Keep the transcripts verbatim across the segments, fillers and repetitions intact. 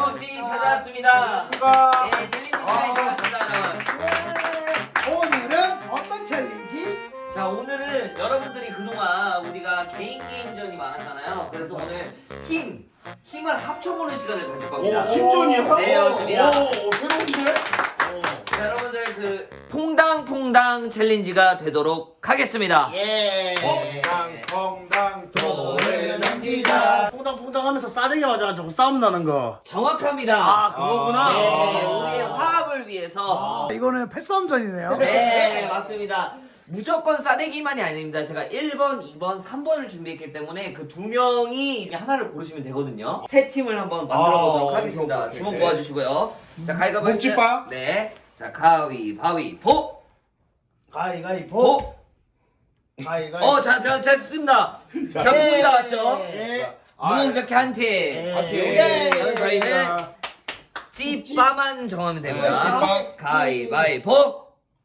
어김없이 찾아왔습니다. 네, 챌린지 시간이 되었습니다, 여러분. 오늘은 어떤 챌린지? 자, 오늘은 여러분들이 그동안 우리가 개인 개인전이 많았잖아요. 그래서 오늘 팀, 힘을 합쳐보는 시간을 가질 겁니다. 오, 팀전이야? 네, 그렇습니다. 오, 새로운데? 자, 여러분들 그 퐁당퐁당 챌린지가 되도록 하겠습니다. 예. 퐁당, 퐁당, 돌을 넘기자. 퐁당퐁당 하면서 싸대기 맞아가지고 싸움 나는 거. 정확합니다. 아, 그거구나. 네, 우리의 화합을 위해서. 아, 이거는 패싸움전이네요. 네, 맞습니다. 무조건 싸대기만이 아닙니다. 제가 일 번, 이 번, 삼 번을 준비했기 때문에 그 두 명이 하나를 고르시면 되거든요. 세 팀을 한번 만들어 보도록 아, 하겠습니다. 오케이, 오케이. 주먹 모아주시고요. 자, 가위바위보. 묵찌빠? 네. 자, 가위바위보. 가위가위보. 보. 가위가위보. 어, 자, 자, 자, 씁니다. 자, 분이 나왔죠? 예. 문 이렇게 한 팀. 예. 여기 저희는 찌빠만 정하면 되고요. 찌빠. 가위바위보.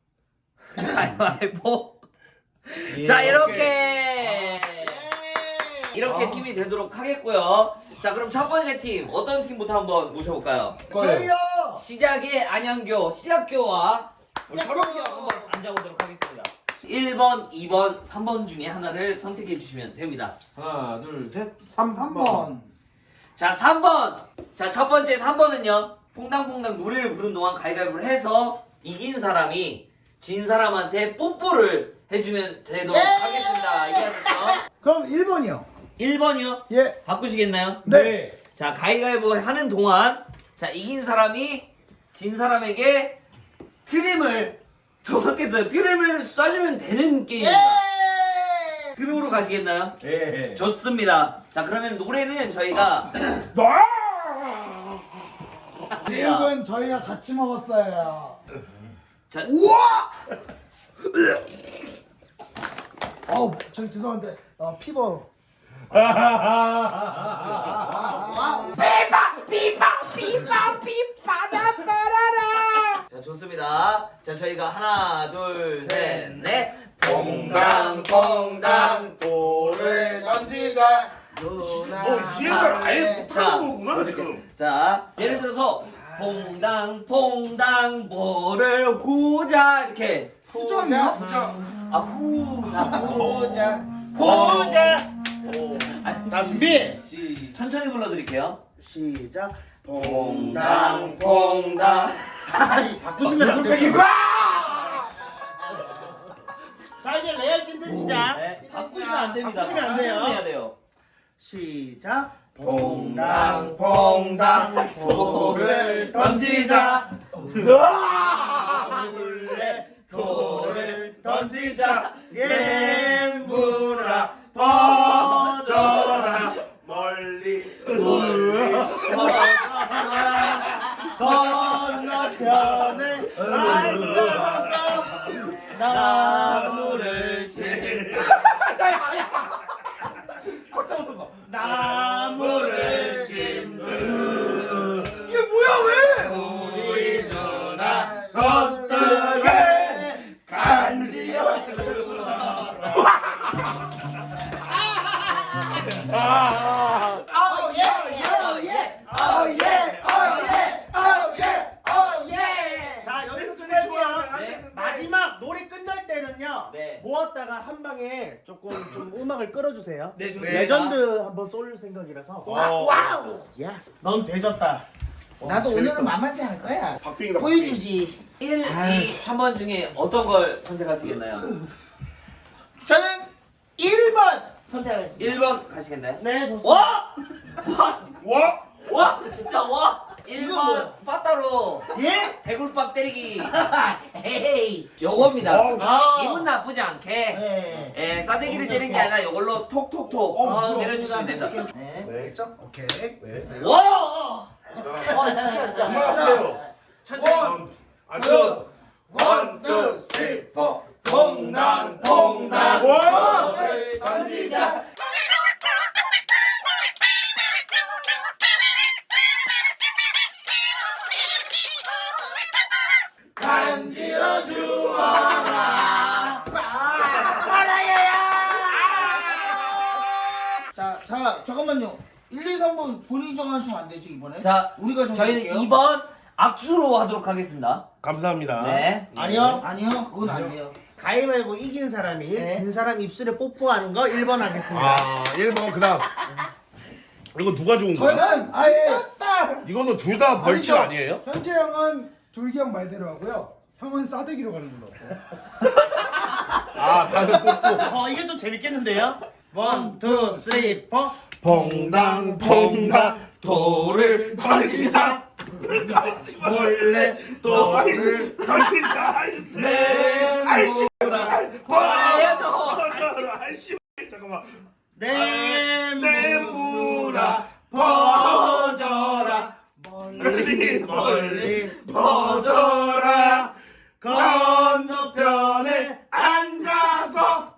가위바위보. 자, 이렇게 이렇게 아. 팀이 되도록 하겠고요. 자, 그럼 첫 번째 팀 어떤 팀부터 한번 모셔볼까요? 저희요. 시작의 안양교 시작교와 우리 철원교 한번 앉아보도록 하겠습니다. 일 번, 이 번, 삼 번 중에 하나를 선택해 주시면 됩니다. 하나, 둘, 셋, 삼, 한 번. 자, 삼 번. 자, 첫 번째 삼 번은요. 퐁당퐁당 노래를 부른 동안 가위바위보를 해서 이긴 사람이 진 사람한테 뽀뽀를 해주면 되도록 예! 하겠습니다. 이해하셨죠? 그럼 일 번이요. 일 번이요? 예. 바꾸시겠나요? 네. 자, 가위바위보 하는 동안 자, 이긴 사람이 진 사람에게 트림을 정확했어요. 트림을 쏴주면 되는 게임입니다. 예. 트림으로 가시겠나요? 예. 좋습니다. 자, 그러면 노래는 저희가 이건 저희가 같이 먹었어요. 자, 우와! 어우, 저 죄송한데 어, 피버. 피파 피파 피파 피파다 빠라라. 자, 좋습니다. 자, 저희가 하나 둘셋넷 퐁당, 퐁당, 돌을 던지자. 너 이해를 아예 자, 못하는 거구나, 지금. 자, 예를 들어서 퐁당 퐁당 볼을 후자 이렇게 후자인가? 후자. 아 후자 후자. 후자. 자 준비. 시, 천천히 불러드릴게요. 시작. 퐁당 퐁당. 아이, 바꾸시면 안 돼요. 자 이제 레알 찐텐 시작. 네, 바꾸시면 안 됩니다. 바꾸시면 안 돼요. 해야 돼요. 시작. 퐁당, 퐁당, 돌을 던지자. 몰래 돌을 던지자. 예. 엠물아 퍼져라. 멀리, 멀리. 건너편에 앉아서 나무를 심 나무를 심는 이게 뭐야, 왜? 우리 누나 손등에 간지러. Oh yeah, oh yeah, oh yeah, oh yeah, oh yeah, oh yeah. 자 여기서 끝내고요. 네. 마지막 노래 끝날 때는요. 네. 모았다가 한 방에 조금 좀 음악을 끌어주세요. 네, 좋습니다. 레전드 한번 쏠 생각이라서. 와우. 와우. 예스. 넌 대졌다. 나도 오늘은 만만치 않을 거야. 박빙이다, 박빙. 보여주지. 일, 이, 삼 번 중에 어떤 걸 선택하시겠나요? 저는 일 번 선택하겠습니다. 일 번 가시겠나요? 네 좋습니다. 와! 와! 와? 와! 진짜 와! 일 번 빠따로 예? 대굴박 때리기 에이. 요겁니다. 어우, 씨. 기분 나쁘지 않게 네. 예, 싸대기를 때리는 게 아니라 요걸로 톡톡톡 어, 때려주시면 됩니다. 네. 네. 오케이. 네. 와! 와, 진짜, 진짜. 하세요. 천천히. 아, 저. 원, 투, 쓰리, 포. 퐁당, 퐁당. 와! 볼을 던지자. 간지러 주어라. 자, 자, 잠깐만요. 일, 이, 삼 번 본인이 정하시면 안 되죠 이번에? 자, 우리가 저희는 정할게요. 이 번 악수로 하도록 하겠습니다. 감사합니다. 네. 아니요. 아니요 그건 안 돼요. 가위바위보 이긴 사람이 네. 진 사람 입술에 뽀뽀하는 거 일 번 하겠습니다. 아, 일 번 그다음. 이거 누가 좋은 거야? 저는 아예 이거는 둘 다 벌칙 아니에요? 현재 형은 둘기 형 말대로 하고요. 형은 싸대기로 가는 걸로. 아, 다들 뽑고. 어 이게 좀 재밌겠는데요? 원, 투, 쓰리, 포. 퐁당 퐁당 돌을 던지자. 몰래 돌을 던지자. 네, 아이씨. 알려줘. 아이씨. 잠깐만. 내무라 퍼져라. 멀리 멀리 퍼져라. 건너편에 앉아서.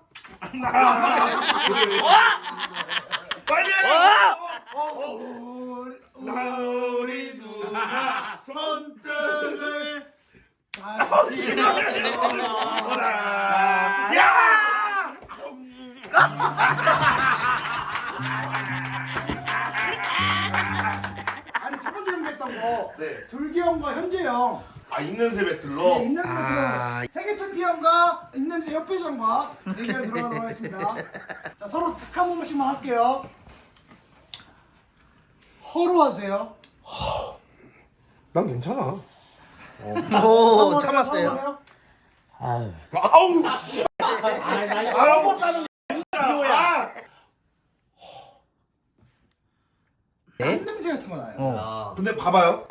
빨리 해. 우리 누나 손등을 던지라. 야! 아니 첫 번째 형 했던 거 네. 둘기 형과 현재 형 아, 입냄새 배틀로. 네, 입냄새 아... 세계 챔피언과 입냄새 협회장과 대결 들어가도록 하겠습니다. 자 서로 착한 번씩만 할게요. 허로 하세요. 난 괜찮아. 오 참았어요. 참았어요. 아우 씨. 아우 싸는 이거야. 입냄새 같은 거 나요. 어. 아. 근데 봐봐요.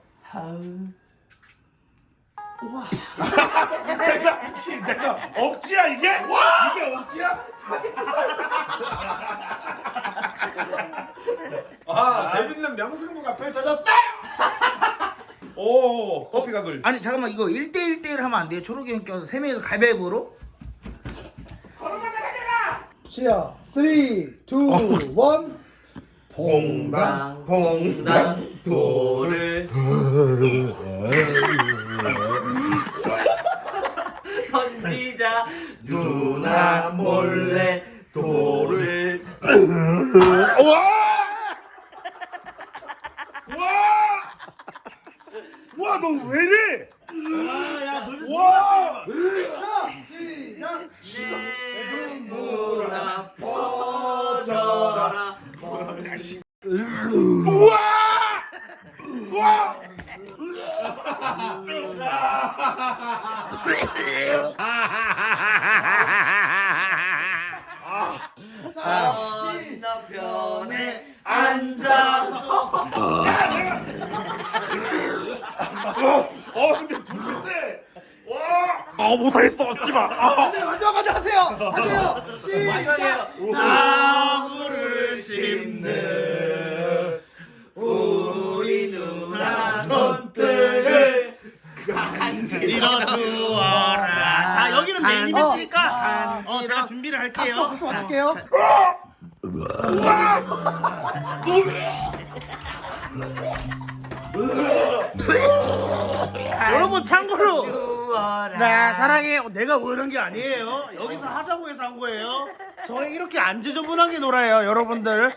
내가 혹시 내가 억지야 이게? 이게 억지야? 아 재밌는 명승부가 펼쳐졌다. 오 커피가 글. 아니 잠깐만 이거 일 대 일 대 일 하면 안 돼요? 초록이 형 껴서 세 명이서 가위바위보로? 시야 쓰리, 투, 원. 봉당 봉당 돌을 던지자 누나 몰래 돌을 와! 와! 와, 너 왜 이래? 와! 시작. 내무라 퍼져라. 우와! 우와! 건너편에 앉아서 어, 근데 둘째. 와! 아, 못하겠어. 하지 마. 아. 네 마지막까지 하세요. 하세요. 시작. 나무를 심는 우리 누나 손등을 밀어주어라. 자 여기는 메인 이벤트니까 어 제가 준비를 할게요. 또 맞출게요. 여러분 참고로 나 사랑해 내가 뭐 이런 게 아니에요. 여기서 하자고 해서 한 거예요. 저희 이렇게 안 지저분하게 놀아요 여러분들.